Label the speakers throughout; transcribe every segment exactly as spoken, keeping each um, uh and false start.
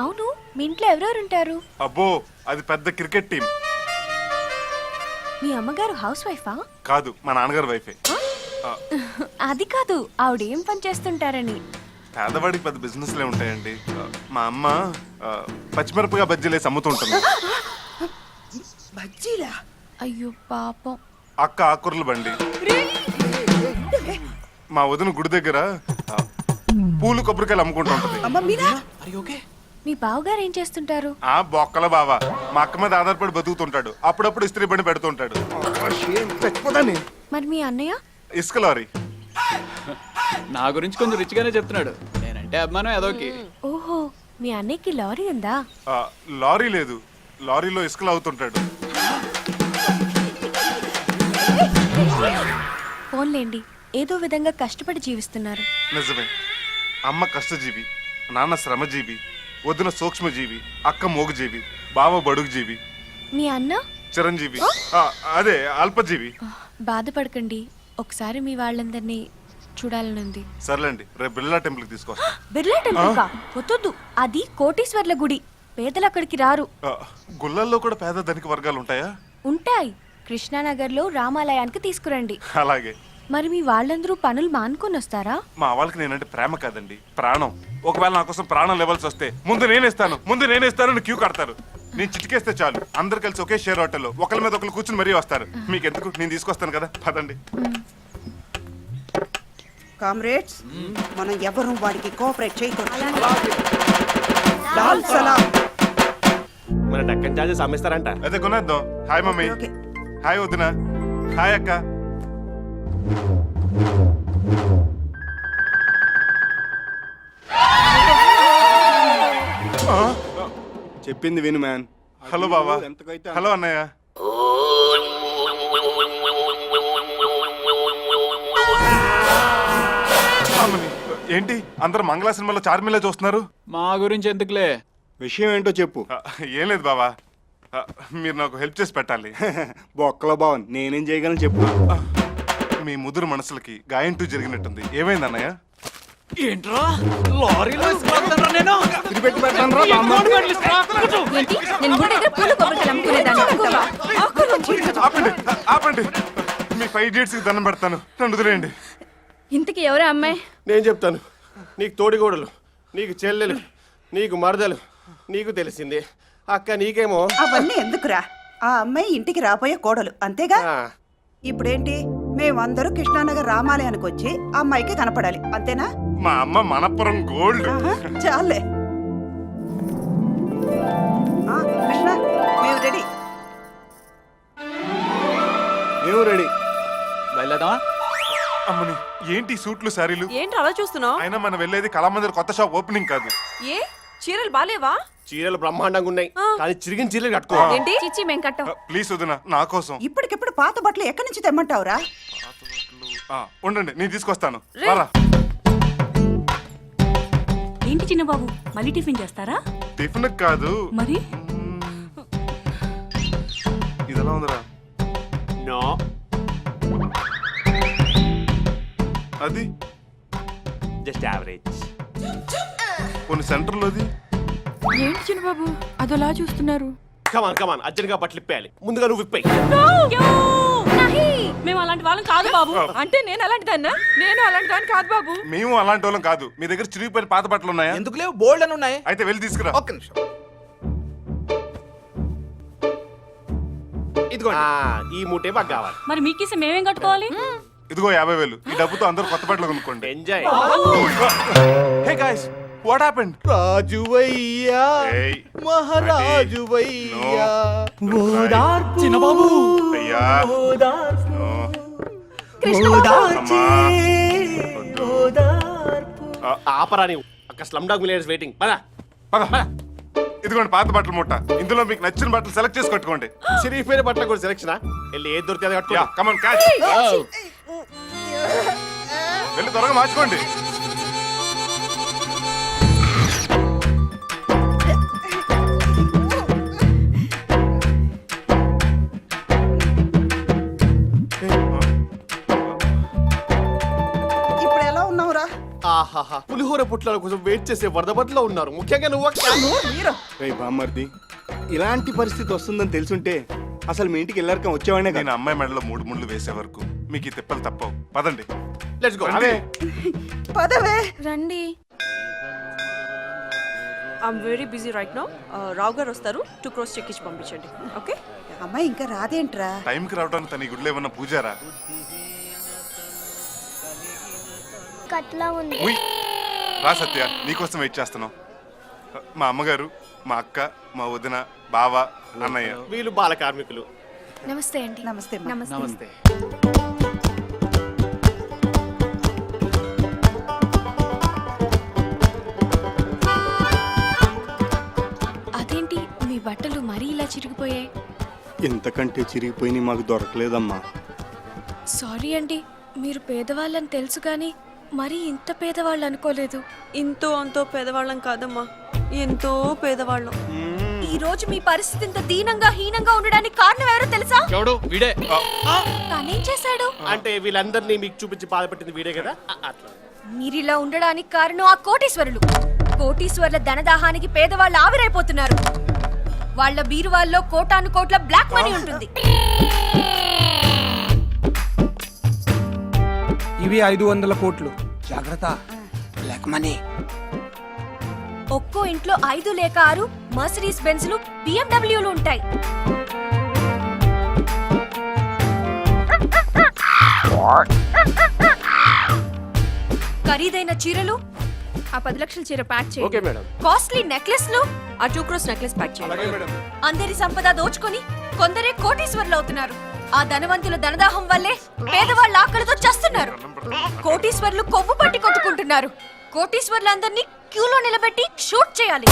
Speaker 1: అవును, మీ ఇంట్లో ఎవరెవరు ఉంటారు?
Speaker 2: అబ్బో, అది పెద్ద క్రికెట్ టీం.
Speaker 1: మీ అమ్మగారు హౌస్ వైఫా?
Speaker 2: కాదు, మా నాన్నగారు వైఫే.
Speaker 1: అది కాదు, ఆవిడ ఏం పని చేస్తుంటారని.
Speaker 2: పేదవాడికి పెద్ద బిజినెస్లే ఉంటాయండి. ఆ, మా అమ్మ ఆ, పచ్చిమిరపగా బజ్జీలేసి అమ్ముతుంటుంది.
Speaker 3: బజ్జీలా?
Speaker 1: అయ్యో పాపం.
Speaker 2: అక్క ఆకుర్ల బండి. మా వదిన గుడి దగ్గర ఆ, పూలు కొబ్బరికాయలు అమ్ముకుంటూ ఉంటది.
Speaker 3: అమ్మ మీరా?
Speaker 1: మీ బావగారు ఏం చేస్తుంటారు?
Speaker 2: ఆ బొక్కల బావ మా అక్క మీద ఆధారపడి బతుకుతుంటాడు. అప్పుడప్పుడు ఇస్త్రీ బండి పెడుతుంటాడు.
Speaker 1: మరి మీ అన్నయ్య?
Speaker 2: ఇసుక లారీ.
Speaker 4: నా గురించి కొంచెం రిచ్గానే చెప్తున్నాడు. నేనంటే అభిమానం ఏదోకి.
Speaker 1: ఓహో, మీ అన్నయ్యకి లారీ ఉందా?
Speaker 2: ఆ, లారీ లేదు, లారీలో ఇసుకలు అవుతుంటాడు.
Speaker 1: ఫోన్లేండి, ఏదో విధంగా కష్టపడి జీవిస్తున్నారు.
Speaker 2: నిజమే. అమ్మ కష్టజీవి, నాన్న శ్రమజీవి, వదిన సూక్ష్మజీవి, అక్క మోగుజీవి, బావ బడుగుజీవి,
Speaker 1: మీ అన్న
Speaker 2: చిరంజీవి, ఆ, అదే అల్పజీవి.
Speaker 1: బాధపడకండి, ఒకసారి మీ వాళ్ళందరినీ చూడాలనుంది.
Speaker 2: సర్లేండి, రేపు బిర్లా టెంపుల్ కి తీసుకొస్తా.
Speaker 1: బిర్లా టెంపుల్ కా? వద్దు, అది కోటీశ్వర్ల గుడి. పేదలు అక్కడికి రారు.
Speaker 2: ఆ, గుళ్ళల్లో కూడా పేద ధనిక వర్గాలు ఉంటాయా?
Speaker 1: ఉంటాయి. కృష్ణానగర్ లో రామాలయానికి తీసుకురండి.
Speaker 2: అలాగే.
Speaker 1: మరి మీ వాళ్ళందరూ పనులు మానుకొని వస్తారా?
Speaker 2: మా వాళ్ళకి నేనంటే ప్రేమ కాదండి, ప్రాణం. ఒకవేళ నా కోసం ప్రాణం లెవెల్స్ వస్తే ముందు నేనేస్తాను ముందు నేనేస్తాను క్యూ కడతారు. నేను చిటికేస్తే చాలు, అందరు కలిసి ఒకే షేర్ హోటల్లో ఒకరి మీద ఒకరు కూర్చుని మరీ వస్తారు. మీకు ఎందుకు, నేను తీసుకొస్తాను కదా, పదండి.
Speaker 3: కామ్రేడ్స్, మనం ఎవరు వాడికి కోఆపరేట్ చేయకూడదు. లాల్ సలాం.
Speaker 5: మన డక్కన్ చార్జెస్ అమ్మేస్తారంట.
Speaker 2: అదే కొనేద్దాం. Hi mummy.
Speaker 3: ఓకే.
Speaker 2: హాయ్ వదిన. హాయ్ అక్క.
Speaker 5: చెప్పింది విను మ్యాన్.
Speaker 2: హలో బావా. హలో అన్నయ్య. అమ్మని, ఏంటి అందరు మంగళ సినిమాలో చార్మిలా చూస్తున్నారు?
Speaker 4: మా గురించి ఎందుకులే,
Speaker 5: విషయం ఏంటో చెప్పు.
Speaker 2: ఆ, ఏం లేదు బావా, ఆ, మీరు నాకు హెల్ప్ చేసి పెట్టాలి.
Speaker 5: బొక్కలో బావన్ నేనేం చేయగలను చెప్పు.
Speaker 2: ఆ, మీ ముదురు మనసులకి గాయం టూ జరిగినట్టుంది. ఏమైంది అన్నయ్య?
Speaker 4: ఏంట్రా లారీలో ఇసుకెళ్తానురా నేను?
Speaker 1: ఏంటి? నేను గుడి దగ్గర పూలు కొబ్బరికాయలు అమ్ముకునేదాన్ని అనుకుంటావా?
Speaker 2: ఆపండి, ఆపండి. మీ ఫైవ్ ఇడియట్స్ కి దండం పెడతాను, నన్ను వదిలేయండి.
Speaker 1: ఇంతకీ ఎవరా అమ్మాయి?
Speaker 5: నేను చెప్తాను. నీకు తోడిగోడలు, నీకు చెల్లెలు, నీకు మరదలు, నీకు తెలిసింది. అక్క నీకేమో.
Speaker 3: అవన్నీ ఎందుకురా? ఆ అమ్మాయి ఇంటికి రాబోయే కోడలు, అంతేగా?
Speaker 5: ఆ,
Speaker 3: ఇప్పుడేంటి, మేమందరూ కృష్ణానగర్ రామాలయానికి వచ్చి ఆ అమ్మాయికి కనపడాలి, అంతేనా?
Speaker 2: మా అమ్మ మనపురం గోల్డ్.
Speaker 3: ఆహా, చాలే. ఆ, కృష్ణ, మేము రెడీ.
Speaker 5: మేము రెడీ.
Speaker 4: బయలుదేరదామా?
Speaker 2: అమ్మని, ఏంటి సూట్లు శారీలు?
Speaker 6: ఏంటి అలా చూస్తున్నావు?
Speaker 2: అయినా మనం వెళ్ళేది కళామందిర్ కొత్త షాప్ ఓపెనింగ్ కాదు.
Speaker 6: ఏ చీరలు బాలేవా?
Speaker 5: చీరలు బ్రహ్మాండంగా ఉన్నాయి,
Speaker 6: ఆ.
Speaker 5: కానీ చిరిగిన చీరలు కట్టుకో.
Speaker 6: ఏంటి?
Speaker 1: చిచ్చి మేం కట్టం.
Speaker 2: ప్లీజ్ వదిన, నా కోసం.
Speaker 3: ఇప్పటికిప్పుడు పాత బట్టలు ఎక్కడి నుంచి తెమ్మంటావురా?
Speaker 2: ఆ, ఉండండి, నేను తీసుకొస్తాను.
Speaker 6: రే.
Speaker 2: రారా.
Speaker 7: ఏంటి చిన్న బాబు, మళ్ళీ టిఫిన్ చేస్తారా?
Speaker 2: టిఫిన్ కాదు
Speaker 7: మరి
Speaker 2: ఇదెలా ఉందిరా?
Speaker 5: నో,
Speaker 2: అది
Speaker 5: జస్ట్ యావరేజ్.
Speaker 2: కొన్ని సెంటర్లోది.
Speaker 7: ఏంటి చిన్న బాబు అదోలా చూస్తున్నారు?
Speaker 5: కమాన్ కమాన్, అర్జెంట్గా బట్టలు ఇప్పేయాలి. ముందుగా నువ్వు ఇప్పేయి.
Speaker 7: మేము అలాంటి వాళ్ళం కాదు బాబు.
Speaker 6: అంటే నేను అలాంటి దాన్నా? నేను అలాంటి దాన్ని కాదు బాబు.
Speaker 2: మేము అలాంటి వాళ్ళం కాదు. మీ దగ్గర చిరిగిపోయిన పాత బట్టలు ఉన్నాయా?
Speaker 8: ఎందుకు లేవు? బోల్డ్ అని ఉన్నాయి.
Speaker 2: అయితే వెళ్ళి తీసుకురా.
Speaker 8: ఒక్క నిమిషం.
Speaker 5: ఇదిగో ఈ మూటే మాకు కావాలి.
Speaker 7: మరి మీకేసి మేమేం కట్టుకోవాలి?
Speaker 2: ఇదిగో యాభై వేలు. ఈ డబ్బుతో అందరూ కొత్త బట్టలు కొనుక్కోండి.
Speaker 5: Enjoy.
Speaker 2: Hey guys, what happened?
Speaker 5: రాజువయ్యా,
Speaker 2: ఏయ్,
Speaker 5: మహారాజువయ్యా,
Speaker 4: చిన్న బాబు
Speaker 2: అయ్యా, నో. అమ్మా, వద్దు. ఆ,
Speaker 5: ఆపరా నీవు. అక్కడ స్లమ్ డాగ్ మిలియనర్స్ వెయిటింగ్. పద
Speaker 2: పద, పద. ఇదిగోండి పాత బట్టల మూట. ఇందులో మీకు నచ్చిన బట్టలు సెలెక్ట్ చేసి కట్టుకోండి.
Speaker 5: చిరిగిపోయిన బట్టలు కూడా సెలక్షన్. వెళ్ళి ఏది దొరికితే అది కట్టుకో.
Speaker 2: Yeah, come on catch. వెళ్ళి త్వరగా మార్చుకోండి.
Speaker 3: ఇప్పుడు ఎలా ఉన్నావురా?
Speaker 5: ఆహాహా, పులిహోర పుట్లాల కోసం వెయిట్ చేసే వరదబద్దులో ఉన్నారు. ముఖ్యంగా నువ్వు అక్క.
Speaker 3: మీరు
Speaker 8: రేయ్ బామ్మర్ది, ఇలాంటి పరిస్థితి వస్తుందని తెలుసుంటే అసలు మీ ఇంటికి వెళ్ళారకం వచ్చేవాడినే
Speaker 2: నేను
Speaker 8: కదా.
Speaker 2: అమ్మాయి మెడలో మూడు ముళ్ళు వేసే వరకు మీకు ఈ తిప్పలు తప్పవు. పదండి.
Speaker 5: Let's go.
Speaker 2: రండి.
Speaker 3: పదవే.
Speaker 1: రండి.
Speaker 6: I'm very busy right now. Rao garu వస్తారు, టూ క్రోస్ చెక్ ఇచ్చి పంపించండి. ఓకే.
Speaker 3: అమ్మాయి ఇంకా రాదేంట్రా?
Speaker 2: టైంకి రావడానికి తన ఈ గుడిలో ఏమన్నా పూజారా?
Speaker 9: కట్లా ఉంది.
Speaker 2: ఉయ్. రా సత్య, నీకోసం వెయిట్ చేస్తున్నాం. మా అమ్మగారు, మా అక్క, మా వదిన, బావ, అన్నయ్య.
Speaker 5: వీళ్ళు బాల కార్మికులు.
Speaker 1: నమస్తే అండి.
Speaker 3: నమస్తే అమ్మా.
Speaker 4: నమస్తే.
Speaker 1: అదేంటి మీ బట్టలు మరీ ఇలా చిరిగిపోయాయి?
Speaker 8: ఇంతకంటే చిరిగిపోయి మాకు దొరకలేదమ్మా.
Speaker 1: సారీ అండి, మీరు పేదవాళ్ళని తెలుసు కానీ మరీ ఇంత పేదవాళ్ళు అనుకోలేదు.
Speaker 6: ఇంతో అంతో పేదవాళ్ళం కాదమ్మా, ఎంతో పేదవాళ్ళం.
Speaker 1: ఈ రోజు మీ పరిస్థితి ఇంత దీనంగా హీనంగా ఉండడానికి కారణం ఎవరో తెలుసా?
Speaker 4: ఎవడు వీడే?
Speaker 1: తనేం చేశాడు?
Speaker 5: అంటే వీళ్ళందరినీ మీకు చూపించి బాధపెట్టింది వీడే కదా. అ- అట్లా
Speaker 1: మీరిలా ఉండడానికి కారణం ఆ కోటీశ్వరులు. కోటీశ్వరుల ధనదాహానికి పేదవాళ్ళు ఆవిరైపోతున్నారు. వాళ్ళ బీరువాల్లో కోటాను కోట్ల బ్లాక్ మనీ ఉంటుంది.
Speaker 10: ఇవి ఐదు వందల కోట్లు. జాగ్రత్త, బ్లాక్ మనీ.
Speaker 1: ఒక్కో ఇంట్లో ఐదు లేక ఆరు మర్సిడీస్ బెంజ్లు బిఎండబ్ల్యూలు ఉంటాయి. ఖరీదైన చీరలు, ఆ పది లక్షల చీర ప్యాక్
Speaker 5: ఓకే
Speaker 1: చేయండి.
Speaker 5: మేడం.
Speaker 1: కాస్ట్లీ నెక్లెస్లు,
Speaker 6: ఆ టూ క్రోస్ నెక్లెస్ ప్యాక్ చేయండి.
Speaker 1: అందరి సంపద దోచుకొని కొందరే కోటీశ్వరులు అవుతున్నారు. ఆ ధనవంతుల ధనదాహం వల్లే పేదవాళ్ళ ఆకలితో చస్తున్నారు. కోటీశ్వరులు కొవ్వు పట్టి కొట్టుకుంటున్నారు. కోటీశ్వరులందరినీ క్యూలో నిలబెట్టి షూట్ చేయాలి.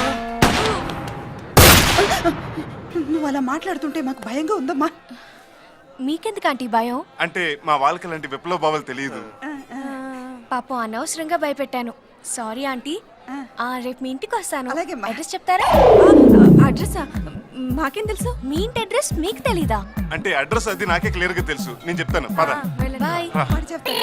Speaker 3: నువ్వు అలా మాట్లాడుతుంటే మాకు భయంగా ఉందమ్మా.
Speaker 1: మీకెందుకు ఆంటీ భయం?
Speaker 2: అంటే మా వాళ్ళకి లాంటి విప్లవ భావాలు తెలియదు.
Speaker 1: పాపం అనవసరంగా భయపెట్టాను. Sorry aunty. ఆ, రేపు మీ ఇంటికి వస్తాను.
Speaker 3: అలాగేమ్మా.
Speaker 1: అడ్రస్ చెప్తారా?
Speaker 6: అడ్రస్ మాకేం తెలుసు?
Speaker 1: మీ ఇంటి అడ్రస్ మీకు తెలీదా?
Speaker 2: అంటే అడ్రస్ అది నాకే క్లియర్ గా తెలుసు. నేను చెప్తాను, పద.
Speaker 1: బాయ్.
Speaker 3: వాడు చెప్తాడు.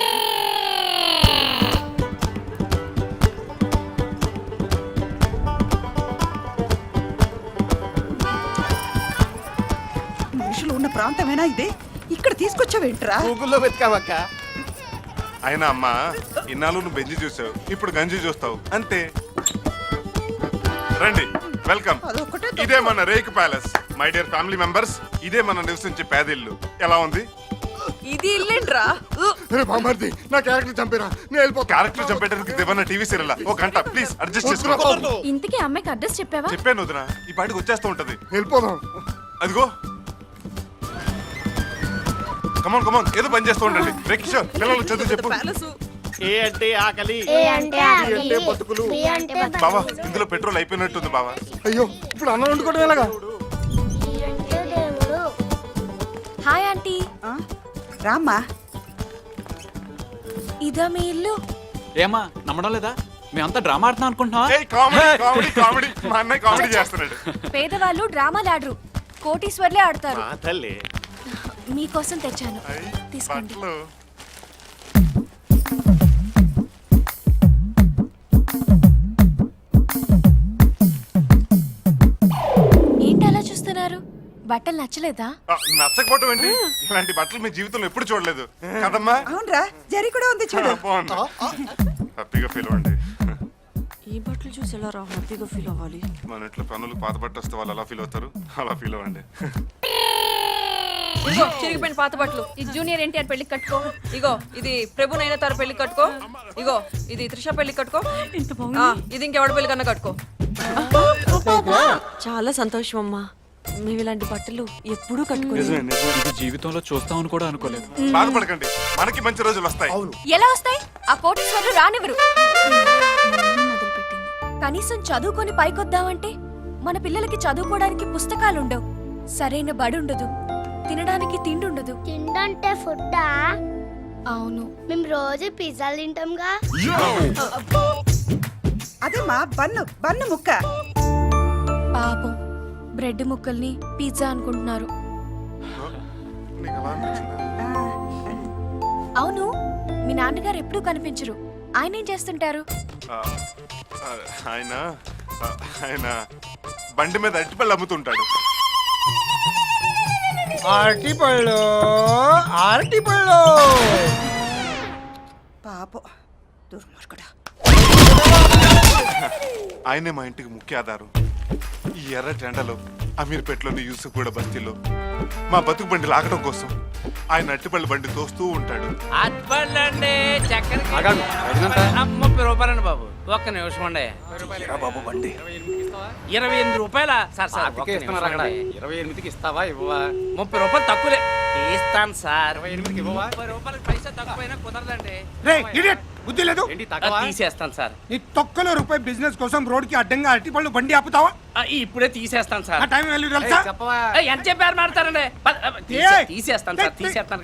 Speaker 3: మనుషులు ఉన్న ప్రాంతమేనా ఇది? ఇక్కడ తీసుకొచ్చావేంట్రా?
Speaker 5: గూగుల్లో వెతకామక్క.
Speaker 2: అయినా అమ్మ, ఇన్నాళ్ళు నువ్వు బెంజి చూసావు, ఇప్పుడు గంజి చూస్తావు అంతే. రండి, వెల్కమ్.
Speaker 3: అదొక్కటే
Speaker 2: ఇదే మన రేక్ palace. My dear family members, ఇదే మన నివసించే పేదిల్లు. ఎలా ఉంది?
Speaker 6: ఇది ఇల్లేంట్రా?
Speaker 8: బామ్మర్ది, నా క్యారెక్టర్ చంపేరా, నేను వెళ్ళిపో.
Speaker 2: క్యారెక్టర్ చంపేటరికి దేవన్న టీవీ సీరియల్ ఒక గంట ప్లీజ్ అడ్జస్ట్ చేసుకో.
Speaker 1: ఇంతకీ అమ్మాయికి అడ్రస్ చెప్పావా?
Speaker 2: చెప్పాను వదిన, ఈ పాటికి వచ్చేస్తూ ఉంటది.
Speaker 8: వెళ్ళిపోదాం.
Speaker 2: అదిగో, కమాన్ కమాన్, ఏదో పని చేస్తూ ఉండండి. రే కిషోర్, పిల్లలు చదువు చెప్పు.
Speaker 6: ప్యాలెస్.
Speaker 5: ఏ అంటే ఆకలి,
Speaker 9: ఏ అంటే ఆకలి,
Speaker 5: అంటే బతుకులు.
Speaker 9: బి అంటే బతుకులు,
Speaker 2: బావా, ఇందులో పెట్రోల్ అయిపోయినట్టుంది బావా.
Speaker 8: అయ్యో, ఇప్పుడు అన్నం వండుకోవడం ఎలాగా?
Speaker 9: సి అంటే దేవుడు.
Speaker 1: Hi aunty.
Speaker 3: ఆ? రామ్మా.
Speaker 1: ఇదా మీ ఇల్లు?
Speaker 4: ఏమా నమ్మడం లేదా? మేమంతా డ్రామా ఆడుతున్నాం అనుకుంటున్నావా?
Speaker 2: ఏయ్, కామెడీ కామెడీ కామెడీ. మా అన్నయ్య కామెడీ చేస్తున్నాడు.
Speaker 1: పేదవాళ్ళు డ్రామాలు ఆడరు, కోటీశ్వర్లే ఆడతారు.
Speaker 5: మా తల్లి.
Speaker 1: మీకోసం తెచ్చాను,
Speaker 2: అయ్,
Speaker 1: తీసుకోండి.
Speaker 2: బట్టలు.
Speaker 1: ఏంటి అలా చూస్తున్నారు? బట్టలు నచ్చలేదా?
Speaker 2: ఆ, నచ్చకపోవటం ఏంటి? ఇలాంటి బట్టలు మీ జీవితంలో ఎప్పుడు చూడలేదు కదమ్మా.
Speaker 3: అవునరా, జరి కూడా ఉంది
Speaker 2: ఆ,
Speaker 3: చూడు.
Speaker 2: బాగుంది. హ్యాపీగా ఫీల్ అవ్వండి.
Speaker 6: ఈ బట్టలు చూసి ఎలా రా హ్యాపీగా ఫీల్ అవ్వాలి?
Speaker 2: మన ఇంట్లో పనులు పాత బట్ట వస్తే వాళ్ళు ఎలా ఫీల్ అవుతారు, అలా ఫీల్ అవ్వండి.
Speaker 6: ఇగో చిరిగిపోయిన పాత బట్టలు.
Speaker 1: ఇది జూనియర్ ఎన్టీఆర్ పెళ్లికి కట్టుకో.
Speaker 6: ఇగో ఇది ప్రభు నైనతార పెళ్లి కట్టుకో. ఇగో ఇది త్రిష పెళ్లి కట్టుకో.
Speaker 7: ఇంత
Speaker 6: ఆ,
Speaker 7: బాగుంది.
Speaker 6: ఇది ఇంకెవడ పెళ్లి కన్నా కట్టుకో. చాలా సంతోషం అమ్మా, మేము ఇలాంటి బట్టలు ఎప్పుడూ కట్టుకోలేదు.
Speaker 8: నిజమే నిజమే.
Speaker 4: ఇది జీవితంలో చూస్తామని కూడా అనుకోలేదు.
Speaker 2: బాధపడకండి, మనకి మంచి రోజులు వస్తాయి.
Speaker 1: ఎలా వస్తాయి? ఆ కోటీశ్వర్లు రానివ్వరు. మళ్ళీ మొదలుపెట్టింది. కనీసం చదువుకొని పైకొద్దామంటే మన పిల్లలకి చదువుకోవడానికి పుస్తకాలు ఉండవు, సరైన బడి ఉండదు, తినడానికి తిండి ఉండదు.
Speaker 9: తిండంటే ఫుడ్డా?
Speaker 1: అవును.
Speaker 9: మేము రోజు పిజ్జాలు తింటాంగా.
Speaker 3: అదేమ్మా, బన్ను బన్ను ముక్క.
Speaker 1: పాపం బ్రెడ్ ముక్కల్ని పిజ్జా అనుకుంటున్నారు.
Speaker 2: నీకు అలా అనిపించిందా?
Speaker 3: ఆ,
Speaker 1: అవును, మీ నాన్నగారు ఎప్పుడూ కనిపించరు. ఆయన ఏం చేస్తుంటారు?
Speaker 2: ఆ, ఆ, ఆయన ఆ, ఆయన బండి మీద అరటిపళ్ళు అమ్ముతుంటాడు.
Speaker 10: అరటి పళ్ళు అరటి పళ్ళు
Speaker 3: పాపం దుర్మార్గుడా.
Speaker 2: ఆయనే మా ఇంటికి ముఖ్య ఆధారం. ఈ ఎర్ర టెండలో అమీర్పేటలోని యూసుఫ్గూడ బస్తీలో మా బతుకు బండి లాగడం కోసం ఆయన అట్టిపల్లి బండి తోస్తూ ఉంటాడు.
Speaker 11: అట్పండి చక్కెర
Speaker 4: ఆగాగు, ఐదుగంట.
Speaker 11: ముప్పై రూపాయలండి బాబు, ఒక్క నిమిషం అండి.
Speaker 10: బాబు బండి
Speaker 11: ఇరవై ఎనిమిది రూపాయల సార్ సార్ ఒక్క
Speaker 4: పాతికే ఇస్తున్నారు
Speaker 11: నిమిషం
Speaker 4: అక్కడ.
Speaker 11: అండి.
Speaker 4: ఇరవై ఎనిమిదికి ఇస్తావా ఇవ్వవా?
Speaker 11: ముప్పై రూపాయలు తక్కువలే ఇస్తాను సార్.
Speaker 4: ఇరవై ఎనిమిదికి ఇవ్వవా?
Speaker 11: ముప్పై రూపాయలకి పైసా తక్కువైనా కుదరదండి.
Speaker 10: రే ఇడియట్ బుద్ధి లేదు.
Speaker 4: ఏంటి
Speaker 11: ఆ,
Speaker 4: తగ్గవా?
Speaker 11: తీసేస్తాను సార్.
Speaker 10: నీ తొక్కలో రూపాయి బిజినెస్ కోసం రోడ్ కి అడ్డంగా అరటి పళ్ళు బండి ఆపుతావా?
Speaker 11: ఆ, ఇప్పుడే తీసేస్తాను
Speaker 10: ఆ
Speaker 11: సార్.
Speaker 10: టైం వెళ్ళి
Speaker 4: ఏయ్,
Speaker 10: తెలుసా?
Speaker 4: చెప్పవా?
Speaker 11: ఆ, ఎంత చెప్పారు మాడతారండి? ప- ఆ, తీసే- తీసేస్తాను సార్, తీసేస్తాను